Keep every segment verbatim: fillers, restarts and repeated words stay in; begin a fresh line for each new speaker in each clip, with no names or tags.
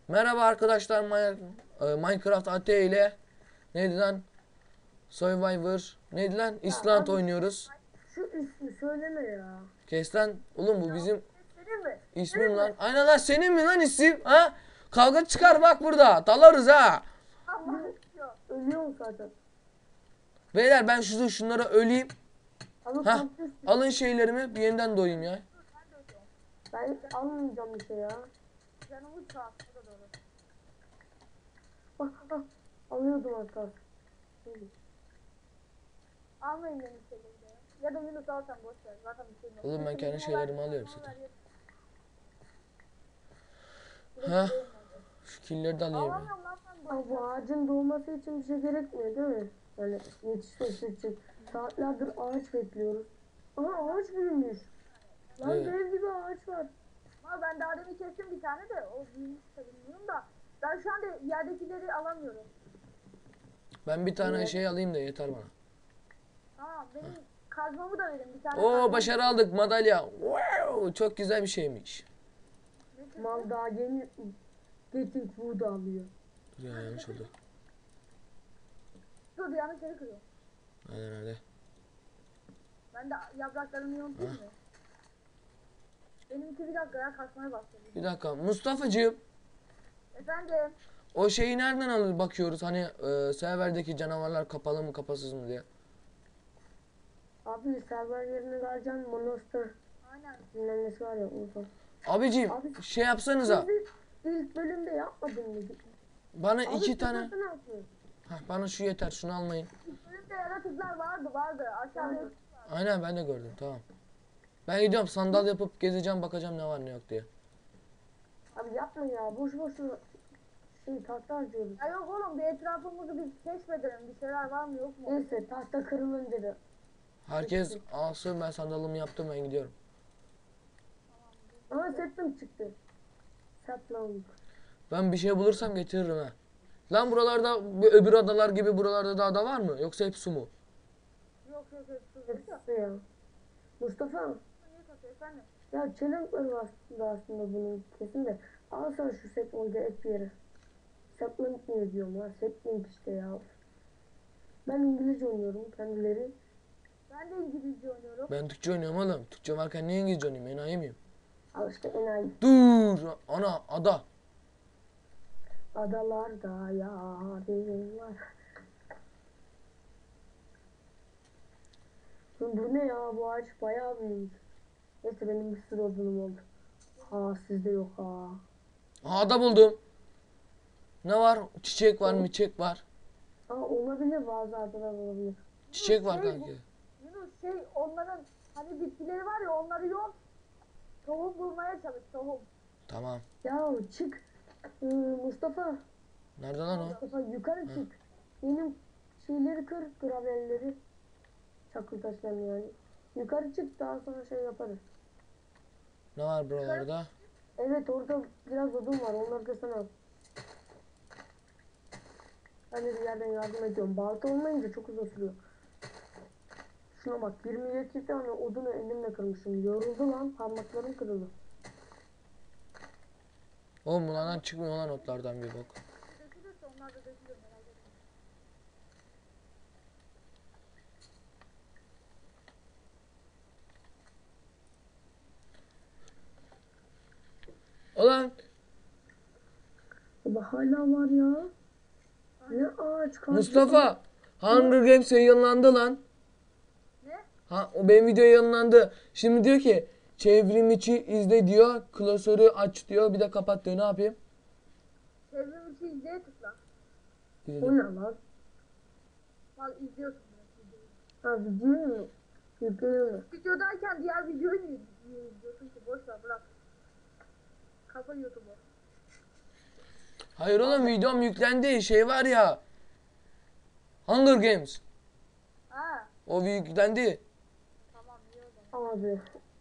Merhaba arkadaşlar, Minecraft A T ile neydi lan? Survivor neydi lan?
Ya
Island
abi
oynuyoruz.
şu ismi söyleme ya.
Kes lan. Oğlum bu bizim
Senin mi?
ismim
Senin
lan.
mi?
Aynen lan, senin mi lan isim? Ha? Kavga çıkar bak burada. Dalarız ha.
Allah ya. Ölüyorum zaten.
Beyler ben şu şunlara öleyim.
Abi
Ha?
kampüs.
Alın şeylerimi, bir yeniden doğayım ya.
Ben almayacağım bir şey ya.
Canımız sağ olsun. O da doğru.
Ah, ah, alıyordum hatta.
Almayın benim şeyleri de. Ya da Yunus al sen boş ver. Zaten bir şey yok.
Oğlum ben kendi
Yunus'u
şeylerimi
ver,
alıyorum
bana
zaten.
ver,
Ha? Şu killeri de alayım ya.
Alamıyorum lan sen boş
Abi bu ağacın doğması için bir şey gerekmiyor değil mi? Yani yetişmesi için. Saatlerdir ağaç bekliyoruz. Aha ağaç büyümüş. Lan
Evet.
dev gibi ağaç var.
Ama ben daha demin kestim bir tane de o büyümüş de bilmiyorum da. Ben şu anda yerdekileri alamıyorum.
Ben bir tane
Evet.
şey alayım da yeter bana.
Tamam benim kazmamı da verin bir tane.
Oo,
kazmam-
başarı aldık, madalya. Wow, çok güzel bir şeymiş.
Ne çıktı?
Mal daha yeni Getting Wood alıyor.
Dur ya, yanlış oldu.
Dur yanlış yeri kırıyor.
Aynen öyle.
Ben de yapraklarımı yontayım mı? Benimki bir dakika ya kasmaya başladı.
Bir dakika Mustafa'cığım,
Efendim.
o şeyi nereden alır bakıyoruz, hani e, serverdeki canavarlar kapalı mı kapasız mı diye.
Abi server yerine vereceksin Monster
Aynen.
dinlenmesi var ya unutma.
Abicim
Abi-
şey yapsanıza,
Siz ilk bölümde yapmadın mı?
bana
Abi
iki
siz
tane.
nasıl yapıyorsun?
Hah, bana şu yeter, şunu almayın.
Önümde yaratıklar vardı vardı. Aşağıda
Vardı.
Aynen, ben de gördüm, tamam. Ben gidiyorum, sandal yapıp gezeceğim, bakacağım ne var ne yok diye.
Abi yapma ya boş boşuna şey tahta harcıyoruz.
Ya yok oğlum bir etrafımızı bir keşfedelim. Bir şeyler var mı yok mu?
Neyse tahta kırılınca da.
Herkes alsın, ben sandalımı yaptım, ben gidiyorum.
Ama setim çıktı. Saplandık.
Ben bir şey bulursam getiririm ha. Lan buralarda bu öbür adalar gibi buralarda da ada var mı? Yoksa hep su mu?
Yok yok yok. Dur, dur, dur.
Hepsi ya. Mustafa
Niye kasıyor efendim?
ya challenge var aslında, aslında bunun kesin de. Al sen şu saplingi et bir yere. Sapling niye diyorum ya? Sapling işte ya. Ben İngilizce oynuyorum kendileri.
Ben de İngilizce oynuyorum.
Ben Türkçe oynuyorum oğlum. Türkçe varken niye İngilizce oynayayım? Enayi miyim?
Al işte enayi.
Dur! Ana, ada.
Adalarda yarim var. Bu bu ne ya, bu ağaç bayağı büyük. Neyse benim bir sürü odunum oldu. Ha sizde yok ha.
Aha, ada buldum. Ne var? Çiçek var, miçek var.
Aa olabilir, bazı adalar olabilir.
Çiçek var
Şey,
kanki.
Yunus şey onların hani bitkileri var ya onları yok. Tohum bulmaya çalış tohum.
Tamam.
Ya çık. Ee, Mustafa.
Nerede lan o?
Mustafa yukarı çık. Benim şeyleri kır, gravelleri. Çakıl taşlarını yani. Yukarı çık, daha sonra şey yaparız.
Ne var buralarda?
Evet orada biraz odun var, onları da sana al. Ben de bir yerden yardım ediyorum. Balta olmayınca çok uzun sürüyor. Şuna bak, yirmi yedi tane odunu elimle kırmışım. Yoruldu lan, parmaklarım kırıldı.
Oğlum bunlardan çıkmıyor lan, otlardan bir bok.
Dökülürse onlar da dökülür merak etme.
Ulan
Baba hala var ya. Ne ağaç kaldı.
Mustafa! Hunger Games yayınlandı lan.
Ne?
Ha, o benim video yayınlandı. Şimdi diyor ki çevrim içi izle diyor. Klasörü aç diyor. Bir de kapat diyor. Ne yapayım?
Çevrim içi izleye tıkla.
O ne lan?
Al izliyorsun bunu. videoyu.
Ha video mu? Video mu?
Videodayken diğer videoyu niye niye izliyorsun ki? Boş ver bırak. Kafa YouTube'u.
Hayır oğlum, videom yüklendi. Şey var ya. Hunger Games.
Ha
O yüklendi.
tamam iyi o zaman.
Abi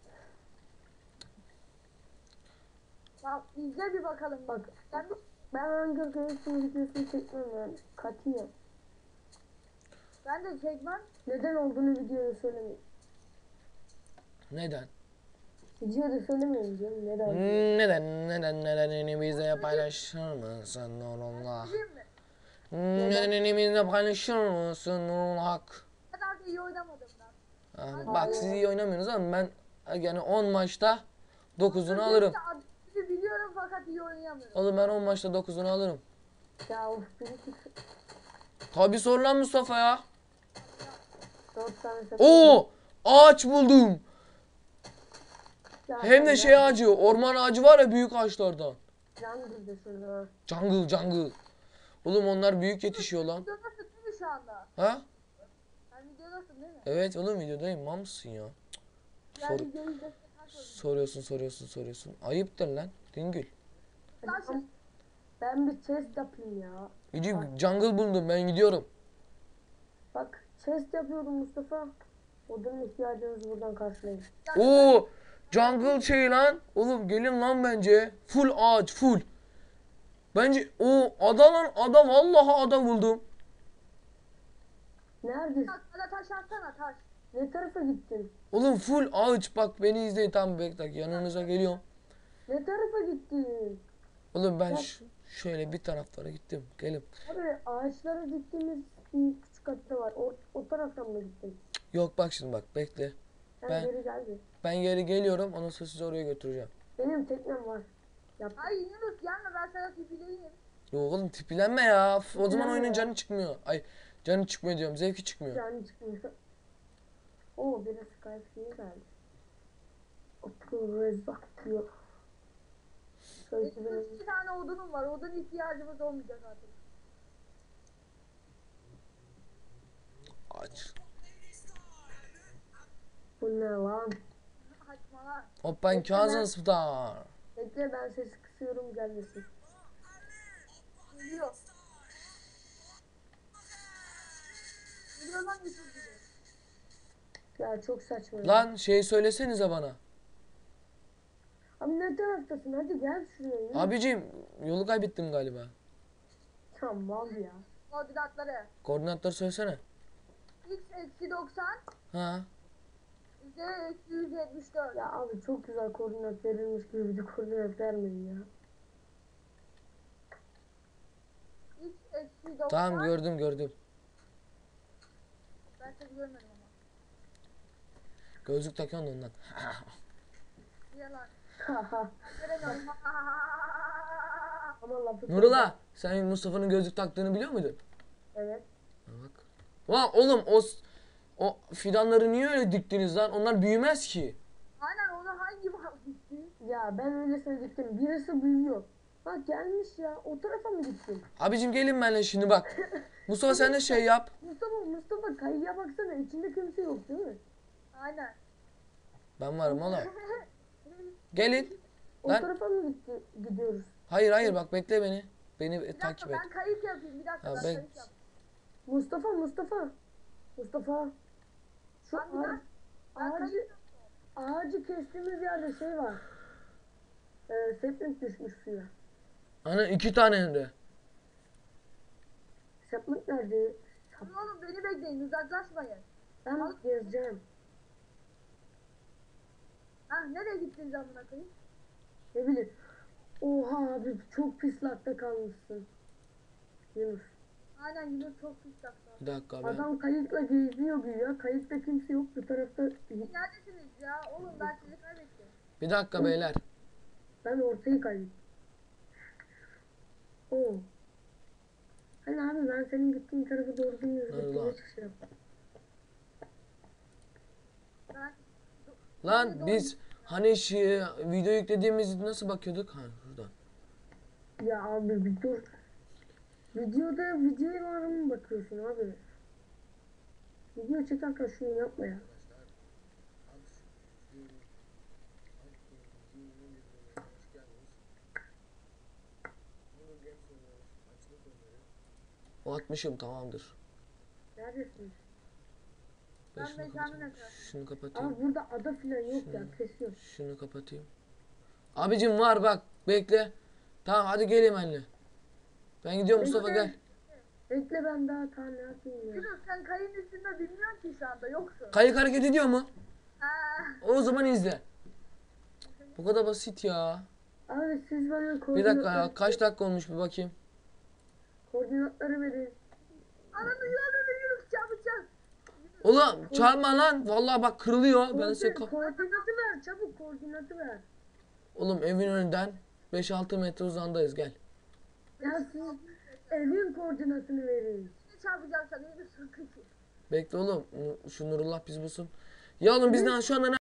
Tamam izle bir bakalım.
bak,
Sen bir,
ben Hunger Games'in videosunu çekmem yani. Katiyen.
ben de çekmem.
Neden olduğunu videoda söylemeyeyim.
Neden?
Videoda söylemeyin diyorum. Neden?
Hmm, Neden neden nedenini bize paylaşır mısın Nurullah?
Değil mi?
Hmm, Nedenini bize paylaşır mısın Nurullah?
O kadar da iyi oynamadım ben.
Ah, bak siz iyi oynamıyorsunuz ama ben yani on maçta dokuzunu alırım.
Adını biliyorum fakat iyi oynayamıyorum.
Oğlum ben on maçta dokuzunu alırım.
Ya of biri çık.
Tabi sor lan Mustafa ya.
Dört tane set.
Oo, ağaç buldum.
Ya
Hem de
sen
şey ağacı, orman ağacı var ya büyük ağaçlardan.
Jungle'da şurada.
Jungle, jungle. Oğlum onlar büyük yetişiyor lan.
Videodasın değil mi şu anda?
Ha?
Sen videodasın değil mi?
Evet oğlum videodayım. Mal mısın ya?
Ben
Sor,
videoyu izledim. Kaç oldu?
soruyorsun, soruyorsun, soruyorsun. Ayıptır lan. Dingül.
Hadi ben, ben bir chest yapayım ya.
Yüce jungle buldum ben gidiyorum.
Bak chest yapıyorum Mustafa. Odun ihtiyacınızı buradan karşılayın.
Oo, jungle şey lan. Oğlum gelin lan bence. Full ağaç, full. Bence o ada lan ada vallahi ada buldum.
Neredesin?
Bak bana taş atsana taş.
Ne tarafa gittin?
Oğlum full ağaç bak beni izleyin tam bekle yanınıza geliyorum.
Ne tarafa gittin?
Oğlum ben ş- şöyle bir taraflara gittim. Gelin.
Abi ağaçlara gittiğimiz bir küçük hatta var. O, o taraftan mı gittin?
Yok bak şimdi bak bekle.
Sen
Ben-
geri geldi.
Ben geri geliyorum ondan sonra sizi oraya götüreceğim.
Benim teknem var. Yap.
Ay Yunus gelme ben sana tipleyeyim.
Yok oğlum tipilenme ya. F- O zaman
Tipilenme
oyunun
ya.
canı çıkmıyor. Ay canı çıkmıyor diyorum. Zevki çıkmıyor.
Yani çıkmıyor. Oo biri Skype iyi geldi. Akıl rezzak diyor. Şöyle
Benim
benim.
iki tane odunum var. Odun ihtiyacımız olmayacak artık.
Aç.
Bu ne lan?
Saçmalar.
Hop ben Kazım Star.
Bekle ben sesi kısıyorum gelmesin.
Geliyor. Geliyor lan Yusuf gibi.
Ya çok saçma. ya.
Lan şey söylesenize bana.
Abi ne taraftasın? Hadi gel şuraya. yürü.
Abicim yolu kaybettim galiba.
Ya mal ya.
Koordinatları.
Koordinatları söylesene.
X eksi doksan.
Ha.
Z eksi yüz yetmiş dört.
Ya abi çok güzel koordinat verilmiş gibi bir de koordinat vermeyin ya.
X eksi doksan.
Tamam gördüm gördüm.
Ben seni görmedim ama.
Gözlük takıyorsun da ondan.
Niye lan?
Haha.
Göremiyorum.
Ama lafı
Nurullah sen Mustafa'nın gözlük taktığını biliyor muydun?
Evet.
Ha, bak. Ulan oğlum o s- o fidanları niye öyle diktiniz lan? Onlar büyümez ki.
Aynen onu hangi mal gitti?
Ya ben öylesine gittim. Birisi büyüyor. Bak gelmiş ya. O tarafa mı gittin?
Abicim gelin benimle şimdi bak. Mustafa sen de şey yap.
Mustafa Mustafa kayıya baksana. İçinde kimse yok değil mi?
Aynen.
Ben varım oğlum. Gelin.
O
Lan.
tarafa mı gitti, gidiyoruz?
Hayır hayır bak bekle beni. Beni
Bir
takip
dakika
et.
ben kayıt yapayım. Bir dakika
Ha,
ben
ben-
kayıt yapayım.
Mustafa Mustafa. Mustafa. Şu
Ben bir
ağaç,
dakika- Ben
ağacı,
kayıt
ağacı kestiğimiz yerde şey var. Ee, seplik düşmüş suya.
Ana iki tane hem de.
Seplik nerede? Sap-
Dur oğlum beni bekleyin uzaklaşmayın.
Ben gezeceğim.
Ha nereye gittiniz amına koyayım?
Ne bileyim. Oha abi çok pis lakta kalmışsın. Yunus.
Aynen Yunus çok pis yaptı.
Bir dakika ben.
Adam kayıkla geziyor güya. Kayıkta kimse yok. Bu tarafta
Neredesiniz ya? Oğlum ben sizi kaybettim.
Bir dakika beyler.
ben ortayı kaydım. Oo. Hani abi ben senin gittiğin tarafa doğru bilmiyorum.
Nerede
Gittiğine
lan?
çıkacağım.
Ben
Lan biz hani şey, video yüklediğimiz nasıl bakıyorduk? Ha şuradan.
Ya abi bir dur. Videoda videoya var mı bakıyorsun abi? Video çekerken şunu yapma ya.
O atmışım tamamdır.
Neredesin?
Ben
Ben
şunu
mekanın
kapatayım.
etrafı.
Şunu kapatayım.
Abi burada ada filan yok ya. Kesiyor.
Şunu kapatayım. Abicim var bak bekle. Tamam hadi gelin benimle. Ben gidiyorum Mustafa
Bekle.
gel.
Bekle ben daha ta ne yapayım ya.
Yunus sen kayın üstünde bilmiyorsun ki şu anda yoksun.
Kayık hareket ediyor mu?
Ha,
O zaman izle. Bu kadar basit ya.
Abi siz bana
Bir
koordinatları,
dakika ya. Kaç dakika olmuş bir bakayım.
koordinatları verin.
Ananı yanını yürü çabucak.
Oğlum çalma lan. Vallahi bak kırılıyor. Ben size
Koordin-
ka-
koordinatı ver çabuk koordinatı ver.
Oğlum evin önünden beş altı metre uzandayız gel.
Ya siz evin koordinatını verin.
Ne çarpacağım sana yürü sakın ki.
Bekle oğlum. Şu Nurullah bizi bulsun. Ya oğlum biz ne şu anda ne